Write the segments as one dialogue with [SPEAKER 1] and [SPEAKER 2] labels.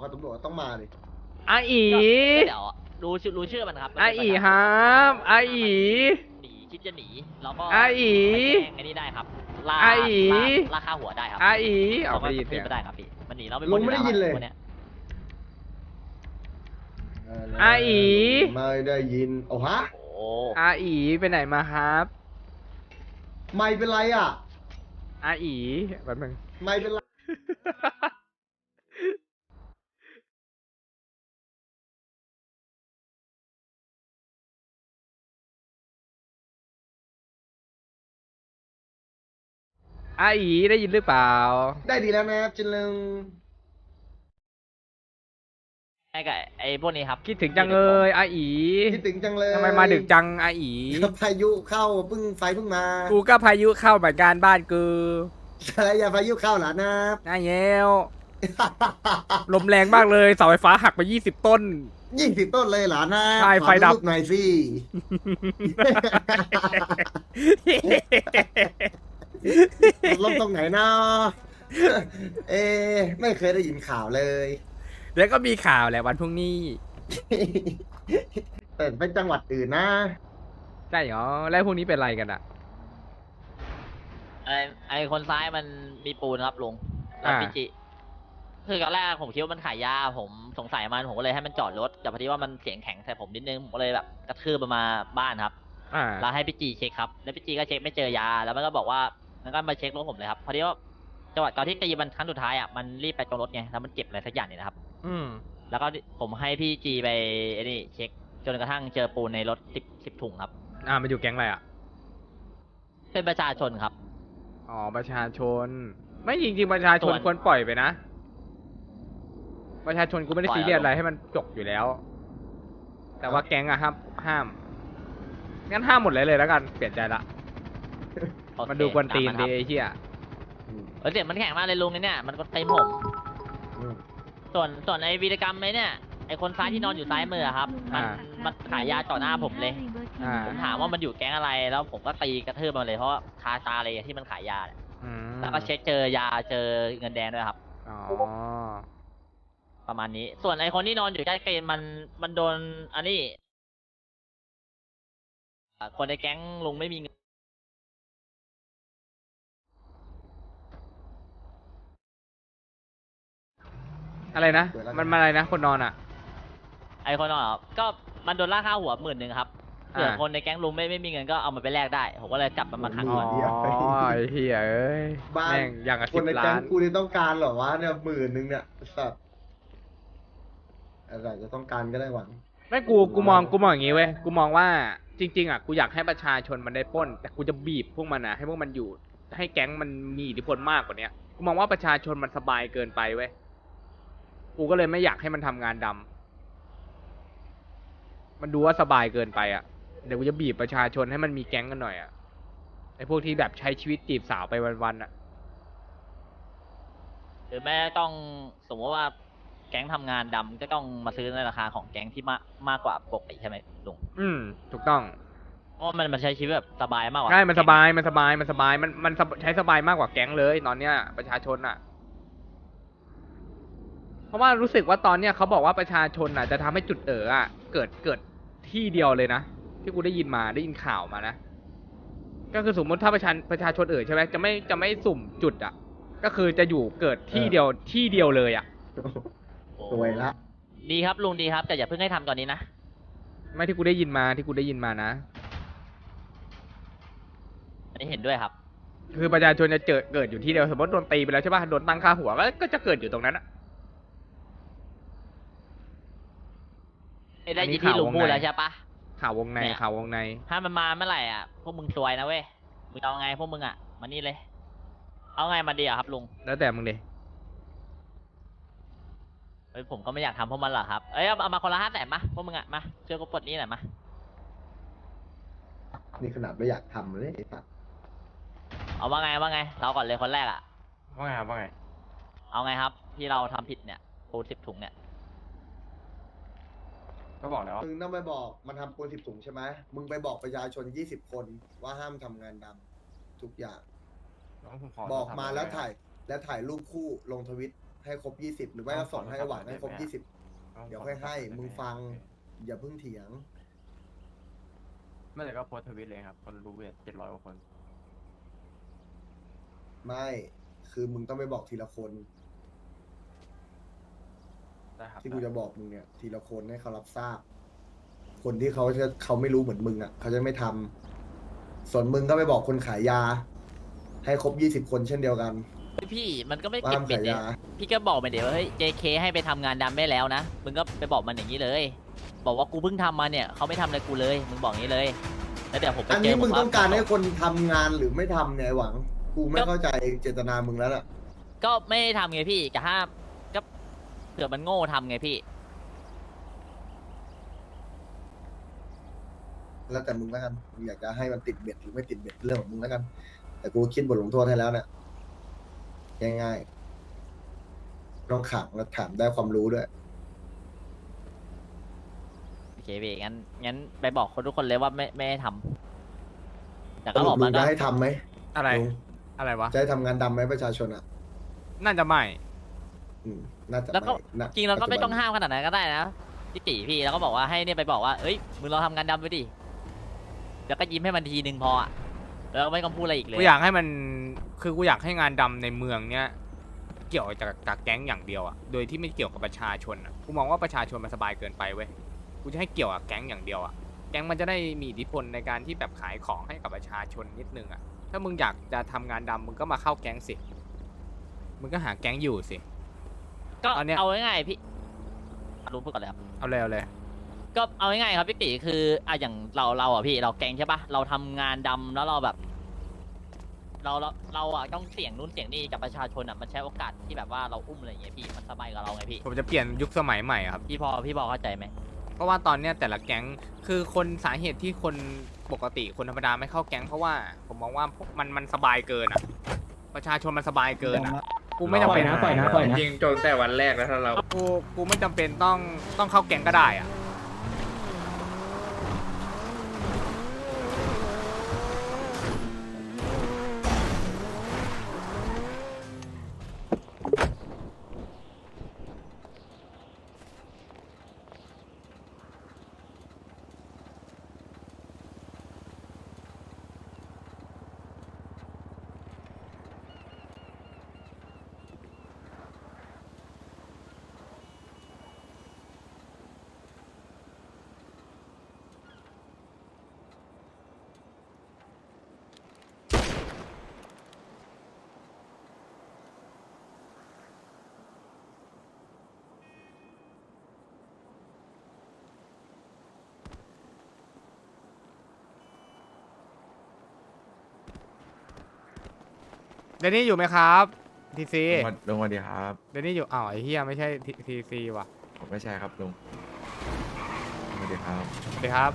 [SPEAKER 1] ตำรวจต้องมาดิ
[SPEAKER 2] อาอี
[SPEAKER 3] ก็เดี๋ยวรู้ชื่อมันครับ
[SPEAKER 2] อาอีครับอาอี
[SPEAKER 3] หนีคิดจะหนีแล้วก็
[SPEAKER 2] อาอี
[SPEAKER 3] ไปแจ้งไอ้นี่ได้ครับล่า
[SPEAKER 2] อาอี
[SPEAKER 3] ล่าค่าหัวได้ครับ
[SPEAKER 2] อาอี
[SPEAKER 3] เรา
[SPEAKER 2] เอา
[SPEAKER 3] ก็
[SPEAKER 2] ไปยิน
[SPEAKER 3] ขึ้
[SPEAKER 2] เสีย
[SPEAKER 3] น
[SPEAKER 2] ง
[SPEAKER 3] ไม่ได้ครับพี่มันหนีเราไป
[SPEAKER 1] ลุงไม่ได้ยินเลย
[SPEAKER 3] คนเนี้ย
[SPEAKER 2] อาอี
[SPEAKER 1] ไม่ได้ยินโอ้ฮะ
[SPEAKER 3] โอ้
[SPEAKER 2] อาอีไปไหนมาครับ
[SPEAKER 1] ไม่เป็นไรอ่ะ
[SPEAKER 2] อาอีแบบนึง
[SPEAKER 1] ไม่เป็นไร
[SPEAKER 2] อาอีได้ยินหรือเปล่า
[SPEAKER 1] ได้ดีแล้วนะครับจินลึง
[SPEAKER 3] ไอ้กับไอ้พวกนี้ครับ
[SPEAKER 2] คิดถึงจังเลยอาอี
[SPEAKER 1] คิดถึงจังเลย
[SPEAKER 2] ทำไมมาดึกจังอาอี
[SPEAKER 1] พายุเข้าไฟเพิ่งมา
[SPEAKER 2] กูก็พายุเข้าเหมือนกันบ้านกู
[SPEAKER 1] อะไรอย่าพายุเข้าหลานนะ
[SPEAKER 2] น่าเย้วลมแรงมากเลยเสาไฟฟ้าหักไป20 ต้น
[SPEAKER 1] 20 ต้นเลยหลานนะ
[SPEAKER 2] ใช่ไฟดับ
[SPEAKER 1] ขอรูปหน่อยสิลงตรงไหนเนาะเอ๊ะไม่เคยได้ยินข่าวเลย
[SPEAKER 2] เดี๋ยวก็มีข่าวแหละวันพรุ่งนี้
[SPEAKER 1] แต่เป็นจังหวัดอื่นนะ
[SPEAKER 2] ใช่เหรอแล้วพรุ่งนี้เป็นไรกันอ่ะ
[SPEAKER 3] ไอ้คนซ้ายมันมีปูนครับลุงแล้วพี่จิคือตอนแรกผมคิดว่ามันขายยาผมสงสัยมันผมก็เลยให้มันจอดรถแต่พอดีว่ามันเสียงแข็งใส่ผมนิดนึงผมก็เลยแบบกระทืบมันมาบ้านครับ
[SPEAKER 2] อ่า
[SPEAKER 3] แล้วให้พี่จีเช็คครับแล้วพี่จีก็เช็คไม่เจอยาแล้วมันก็บอกว่ามันก็มาเช็ครถผมเลยครับพอดีว่าจังหวะตอนที่ตีมันครั้งสุดท้ายอ่ะมันรีบไปตรงรถไงแล้วมันเจ็บอะไรสักอย่างเนี่ยนะครับ
[SPEAKER 2] อืม
[SPEAKER 3] แล้วก็ผมให้พี่จีไปไอ้นี่เช็คจนกระทั่งเจอปูนในรถ10 ถุงครับ
[SPEAKER 2] มันอยู่แก๊งอะไรอ่ะ
[SPEAKER 3] เป็นประชาชนครับ
[SPEAKER 2] อ๋อประชาชน ไม่จริงๆประชาชน
[SPEAKER 3] ส่วน
[SPEAKER 2] ควรปล่อยไปนะ ประชาชนกูไม่ได้
[SPEAKER 3] ปล่อย
[SPEAKER 2] ซีเรียส
[SPEAKER 3] อารมณ์
[SPEAKER 2] อะไรให้มันจบอยู่แล้ว แต่ว่าแก๊งอะห้ามงั้นห้ามหมดเลยแล้วกันเปลี่ยนใจละ
[SPEAKER 3] โอเค
[SPEAKER 2] มันดูกวนตีน
[SPEAKER 3] ตาม
[SPEAKER 2] ดี
[SPEAKER 3] ครับ
[SPEAKER 2] ไอ้เหี้ย
[SPEAKER 3] เสียงมันแข็งมากเลยลุงเนี่ยมันก็เต็มผม
[SPEAKER 1] อืม
[SPEAKER 3] ส่วนไอ้วีรกรรมไอ้เนี่ยไอ้คนซ้ายที่นอนอยู่ซ้ายมือครับมันขายยาต่อหน้าผมเลย
[SPEAKER 2] อ่า
[SPEAKER 3] ผมถามว่ามันอยู่แก๊งอะไรแล้วผมก็ตีกระทืบมันเลยเพราะว่าคาตาเลยที่มันขายยาเนี่ย
[SPEAKER 2] อืม
[SPEAKER 3] แล้วก็เช็คเจอยาเจอเงินแดงด้วยครับ
[SPEAKER 2] อ๋อ
[SPEAKER 3] ประมาณนี้ ส่วนไอ้คนที่นอนอยู่ใกล้เกณฑ์มันโดนอันนี้คนในแก๊งลุงไม่มีเงิน
[SPEAKER 2] อะไรนะมันอะไรนะคนนอนอ่ะ
[SPEAKER 3] ไอ้คนนอนเหรอก็มันโดนล่าค่าหัว10,000ครับเผื่อ
[SPEAKER 2] อ่า
[SPEAKER 3] คนในแก๊งลุงไม่มีเงินก็เอามันไปแลกได้ผมก็เลยจับมันมาขัง
[SPEAKER 2] อ๋อ
[SPEAKER 3] ก่อน
[SPEAKER 2] ไอ้เหี้ยเอ้ย
[SPEAKER 1] บ้าน
[SPEAKER 2] แม่งอย่างกับ
[SPEAKER 1] ค
[SPEAKER 2] สิ
[SPEAKER 1] น
[SPEAKER 2] บ
[SPEAKER 1] ใน
[SPEAKER 2] ล้า
[SPEAKER 1] แก๊ง
[SPEAKER 2] น
[SPEAKER 1] กูนี่ต้องการเหรอวะเนี่ย10,000เนี่ยสัตว์อะไรจะต้องการก็ได้หวัง
[SPEAKER 2] ไม่กูมองอย่างงี้เว้ย กูมองว่าจริง ๆอ่ะกูอยากให้ประชาชนมันได้ปล้น แต่กูจะบีบพวกมันอ่ะให้พวกมันอยู่ ให้แก๊งมันมีอิทธิพลมากกว่าเนี้ยกูมองว่าประชาชนมันสบายเกินไปเว้ย กูก็เลยไม่อยากให้มันทำงานดำมันดูว่าสบายเกินไปอ่ะ เดี๋ยวกูจะบีบประชาชนให้มันมีแก๊งกันหน่อยอ่ะ ไอ้พวกที่แบบใช้ชีวิตจีบสาวไปวันๆอ่ะ
[SPEAKER 3] หรือแม่ต้องสมมติว่าแก๊งทำงานดำก็ต้องมาซื้อในราคาของแก๊งที่มากกว่าปกติใช่ไหมลุง
[SPEAKER 2] ถูกต้อง
[SPEAKER 3] เพราะมันใช้ชีวิตแบบสบายมากกว่า
[SPEAKER 2] ใช่ มันส
[SPEAKER 3] แก๊ง
[SPEAKER 2] บาย มันใช้สบายมากกว่าแก๊งเลยตอนเนี้ยประชาชนอ่ะ เพราะว่ารู้สึกว่าตอนเนี้ยเขาบอกว่าประชาชนอ่ะจะทำให้จุดอ่ะเกิดที่เดียวเลยนะที่กูได้ยินข่าวมานะ ก็คือสมมติถ้าประชาชนใช่ไหมจะไม่สุ่มจุดอ่ะ ก็คือจะอยู่เกิดที่เดียวเลยอ่ะ
[SPEAKER 1] สวยละ
[SPEAKER 3] ดีครับลุงดีครับแต่อย่าเพิ่งให้ทำตอนนี้นะ
[SPEAKER 2] ไม่ที่กูได้ยินมานะ
[SPEAKER 3] อันนี้เห็นด้วยครับ
[SPEAKER 2] คือประชาชนจะเกิดอยู่ที่เดียวสมมติโดนตีไปแล้วใช่ป่ะโดนตั้งค่าหัวก็จะเกิดอยู่ตรงนั้นอ่ะ
[SPEAKER 3] ได้
[SPEAKER 2] อันนี้
[SPEAKER 3] ยินที่ลุง
[SPEAKER 2] ข่าววงใน
[SPEAKER 3] พูดแล้วใช่ปะ
[SPEAKER 2] ข่าววงใน
[SPEAKER 3] เนี่ย
[SPEAKER 2] ข่าววงใน
[SPEAKER 3] ถ้ามันมาเมื่อไหร่อ่ะพวกมึงซวยนะเว้ยมึงเอาไงพวกมึงอ่ะมานี่เลย เอาไงมาดีอ่ะครับลุง
[SPEAKER 2] แล้วแต่มึงดิ
[SPEAKER 3] เฮ้ยผมก็ไม่อยากทำพวกมันหรอกครับเอ้ยเอามาคนละ500,000มาพวกมึงอ่ะมาช่วยกูปลดหนี้หน่อยมา
[SPEAKER 1] นี่ขนาดไม่อยากทำเลยไอ้สัตว์
[SPEAKER 3] เอาว่าไงเราก่อนเลยคนแรกอ่ะ
[SPEAKER 2] ว่าไงครับว่าไง
[SPEAKER 3] เอาไงครับที่เราทำผิดเนี่ยปูน10 ถุงเนี่ย
[SPEAKER 2] ก็บอกแล้ว
[SPEAKER 1] มึงต้องไปบอกมันทำปูน10 ถุงใช่ไหมมึงไปบอกประชาชน20 คนว่าห้ามทำงานดำทุกอย่าง บอกมาแล้วถ่ายรูปคู่ลงทวิตให้ครบ20หรือไม่ก็ส่งให้หวังให้ครบ20เดี๋ยวค่อยให้มึงฟังอย่าเพิ่งเถียง
[SPEAKER 4] ไม่แต่ก็โพสต์ทวิตเลยครับคนรู้เวท700 กว่าคน
[SPEAKER 1] ไม่คือมึงต้องไปบอกทีละคน
[SPEAKER 4] ได้ครับ
[SPEAKER 1] ที่กูจะบอกมึงเนี่ยทีละคนให้เขารับทราบ คนที่เขาไม่รู้เหมือนมึงอ่ะเขาจะไม่ทำส่วนมึงก็ไปบอกคนขายยา ให้ครบ20คนเช่นเดียวกัน
[SPEAKER 3] พี่มันก็ไม่
[SPEAKER 1] ว่า
[SPEAKER 3] เก็บ
[SPEAKER 1] ห้าม
[SPEAKER 3] เป็ด
[SPEAKER 1] ขาย
[SPEAKER 3] เนี่ย
[SPEAKER 1] ยา
[SPEAKER 3] พี่ก็บอกไปเดี๋ยวว่าเฮ้ย JK ให้ไปทำงานดำได้แล้วนะมึงก็ไปบอกมันอย่างนี้เลย บอกว่ากูเพิ่งทำมาเนี่ยเขาไม่ทำอะไรกูเลยมึงบอกอย่างนี้เลยแล้วเดี๋ยวผมไป
[SPEAKER 1] อัน
[SPEAKER 3] เจ
[SPEAKER 1] นี้
[SPEAKER 3] อ
[SPEAKER 1] มึง
[SPEAKER 3] ผม
[SPEAKER 1] ต้องการให้คนทำงานหรือไม่ทำเนี่ยไอ้หวัง กูไม่เข้าใจเจตนามึงแล้วล่ะ
[SPEAKER 3] ก็ไม่ได้ทำไงพี่กับห้ามก็เผื่อมันโง่ทำไงพี่
[SPEAKER 1] แล้วแต่มึงแล้วกันมึงอยากจะให้มันติดเบ็ดหรือไม่ติดเบ็ดเรื่องของมึงแล้วกัน แต่กูคิดบทลงโทษให้แล้วเนี่ยง่ายๆต้องขังแล้วถามได้ความรู้ด้วย
[SPEAKER 3] โอเคพี่งั้นไปบอกคนทุกคนเลยว่าไม่ให้ทำแต่
[SPEAKER 1] ส
[SPEAKER 3] ก็
[SPEAKER 1] รุ
[SPEAKER 3] บอ
[SPEAKER 1] ป
[SPEAKER 3] ก
[SPEAKER 1] ลุ
[SPEAKER 3] มั
[SPEAKER 1] ง
[SPEAKER 3] นก็
[SPEAKER 1] จะให้ทำไหม
[SPEAKER 2] อะไร
[SPEAKER 1] ลุง
[SPEAKER 2] อะไรวะ
[SPEAKER 1] จะให้ทำงานดำไหมประชาชนอ่ะ
[SPEAKER 2] น่าจะไม่
[SPEAKER 1] น่าจะ
[SPEAKER 3] แล้วก็
[SPEAKER 1] ไม่นะ
[SPEAKER 3] จริงเราก็ไม่ต้อง
[SPEAKER 1] ปัจจุบัน
[SPEAKER 3] ห้ามขนาดนั้นก็ได้นะพี่ตีพี่แล้วก็บอกว่าให้เนี่ยไปบอกว่าเอ้ยมึงลองทำงานดำไปดิแล้วก็ยิ้มให้มันทีนึงพออะแล้วก็ไม่ต้องพูดอะไรอีกเลย
[SPEAKER 2] กูอยากให้มันคือกูอยากให้งานดำในเมืองเนี้ยเกี่ยวจากแก๊งอย่างเดียวอะโดยที่ไม่เกี่ยวกับประชาชนอะกูมองว่าประชาชนมันสบายเกินไปเว้ยกูจะให้เกี่ยวกับแก๊งอย่างเดียวอะแก๊งมันจะได้มีอิทธิพลในการที่แบบขายของให้กับประชาชนนิดนึงอะถ้ามึงอยากจะทำงานดำมึงก็มาเข้าแก๊งสิมึงก็หาแก๊งอยู่สิ
[SPEAKER 3] ก็
[SPEAKER 2] ตอนเนี้ย
[SPEAKER 3] เอาง่ายๆพี่รู้พูดก่อนเลยครับ
[SPEAKER 2] เอาเลยเอาเลย
[SPEAKER 3] ก็เอาง่ายๆครับพี่ตีคืออ่ะอย่างเราอ่ะพี่เราแกงใช่ปะเราทำงานดำแล้วเราแบบ เราอ่ะต้องเสี่ยงนู่นเสี่ยงนี่กับประชาชนอ่ะมันใช้โอกาสที่แบบว่าเราอุ้มอะไรอย่างเงี้ยพี่มันสบายกับเราไงพี่
[SPEAKER 2] ผมจะเปลี่ยนยุคสมัยใหม่อะครับ
[SPEAKER 3] พี่พอเข้าใจไหม
[SPEAKER 2] เพราะว่าตอนเนี้ยแต่ละแก๊งคือคนสาเหตุที่คนปกติคนธรรมดาไม่เข้าแก๊งเพราะว่าผมมองว่ามันสบายเกินอ่ะ ประชาชนมันสบายเกินอ่ะกูไม่จำเป็น
[SPEAKER 5] ปล่อยนะ
[SPEAKER 6] จริงจนแต่วันแรกแล้วถ้าเรา
[SPEAKER 2] กูไม่จำเป็นต้องเข้าแก๊งก็ได้อ่ะ เดนนี่อยู่ไหมครับทีซี
[SPEAKER 6] ลุงสวัสดีครับ
[SPEAKER 2] เดนนี่อยู่อ้าวไอ้เฮียไม่ใช่ทีซีว่ะ
[SPEAKER 6] ผมไม่ใช่ครับลุงสวัสดีครับ
[SPEAKER 2] สวัสดีครับ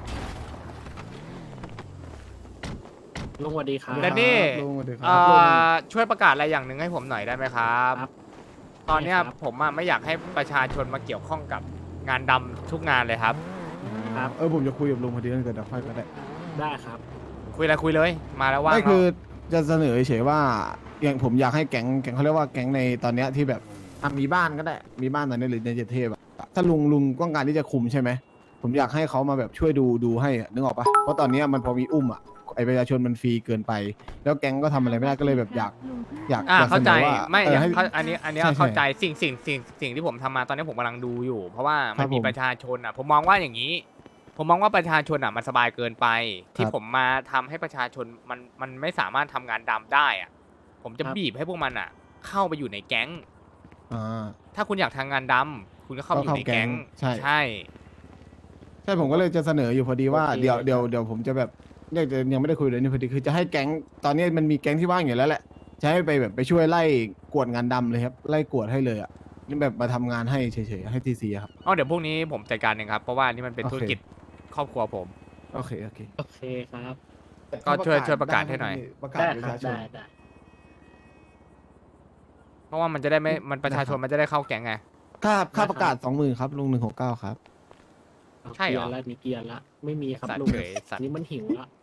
[SPEAKER 5] ลุงสวัสดีครับ
[SPEAKER 2] เดนนี่
[SPEAKER 5] ลุงสวัสดีครั
[SPEAKER 2] ช่วยประกาศอะไรอย่างหนึ่งให้ผมหน่อยได้ไหมครับ
[SPEAKER 5] ครับ
[SPEAKER 2] ตอนเนี้ย
[SPEAKER 5] ได้ครับ
[SPEAKER 2] ผมอะไม่อยากให้ประชาชนมาเกี่ยวข้องกับงานดำทุกงานเลยครับ
[SPEAKER 5] ครับ
[SPEAKER 7] ผมจะคุยกับลุงพอดีนั่นเกิดเดี๋ยวค่อยก็ได้
[SPEAKER 5] ได้ครับ
[SPEAKER 2] คุยอะไรคุยเลย มาแล้วว่าง
[SPEAKER 7] ไม่
[SPEAKER 2] แล้ว
[SPEAKER 7] คือจะเสนอเฉยๆว่าอย่างผมอยากให้แก๊งเขาเรียกว่าแก๊งในตอนเนี้ยที่แบบมีบ้านก็ได้มีบ้านตอนนี้หรือในเจดเทพอะถ้าลุงต้องการที่จะคุมใช่ไหมผมอยากให้เขามาแบบช่วยดูให้อะนึกออกปะเพราะตอนเนี้ยมันพอมีอุ้มอะไอประชาชนมันฟรีเกินไป แล้วแก๊งก็ทำอะไรไม่ได้ก็เลยแบบอยากอยาก
[SPEAKER 2] เข้าใจ
[SPEAKER 7] สนอว่า
[SPEAKER 2] ไม่
[SPEAKER 7] ให้
[SPEAKER 2] อันนี้
[SPEAKER 7] ใช่
[SPEAKER 2] เข้าใจสิ่งที่ผมทำมาตอนนี้ผมกำลังดูอยู่ เพราะว่า
[SPEAKER 7] ครั
[SPEAKER 2] มัน
[SPEAKER 7] บ
[SPEAKER 2] มี
[SPEAKER 7] ผม
[SPEAKER 2] ประชาชนอ่ะ ผมมองว่าอย่างนี้ ผมมองว่าประชาชนอ่ะมันสบายเกินไป ที่
[SPEAKER 7] ครับ
[SPEAKER 2] ผมมาทำให้ประชาชนมันไม่สามารถทำงานดำได้อ่ะผมจะ
[SPEAKER 5] ครับ
[SPEAKER 2] บีบให้พวกมันอ่ะ เข้าไปอยู่ในแก๊ง
[SPEAKER 7] อ่า
[SPEAKER 2] ถ้าคุณอยากทำงานดำคุณก็เข้าไปอยู่ในแก๊ง
[SPEAKER 7] ใช่
[SPEAKER 2] ใช่
[SPEAKER 7] ใช่ผมก็เลยจะเสนออยู่พอดีว่า
[SPEAKER 5] โอเค
[SPEAKER 7] เดี๋ยวผมจะแบบเนี่ยจะยังไม่ได้คุยเลยนี่พอดีคือจะให้แก๊งตอนนี้มันมีแก๊งที่ว่างอยู่แล้วแหละจะให้ไปแบบไปช่วยไล่กวดงานดำเลยครับไล่กวดให้เลยอ่ะนี่แบบมาทำงานให้เฉยๆให้ทีซีครับ
[SPEAKER 2] อ๋อเดี๋ยวพวกนี้ผมจัดการเองครับ เพราะว่านี่มันเป็น
[SPEAKER 7] โอเค
[SPEAKER 2] ธุรกิจครอบครัวผม
[SPEAKER 7] โอเค
[SPEAKER 5] โอเคครับ
[SPEAKER 2] ก็ช่วยประกาศให้หน่อย
[SPEAKER 7] ประกาศ
[SPEAKER 5] ได้
[SPEAKER 7] ประ
[SPEAKER 5] ครั
[SPEAKER 7] ชา
[SPEAKER 5] บ
[SPEAKER 7] ชน
[SPEAKER 5] ได้
[SPEAKER 2] เพราะว่ามันจะได้ไม่มันประชาชนมันจะได้เข้าแก๊งไง
[SPEAKER 7] ค่าประกาศ 20,000ครับลุง169ครับ
[SPEAKER 2] ใช่เหรอ
[SPEAKER 5] มีเกียร์ละไม่มีครับ
[SPEAKER 2] สัตว์
[SPEAKER 5] ลุง
[SPEAKER 2] เฉยสัตว์
[SPEAKER 5] นี่มันหิวละ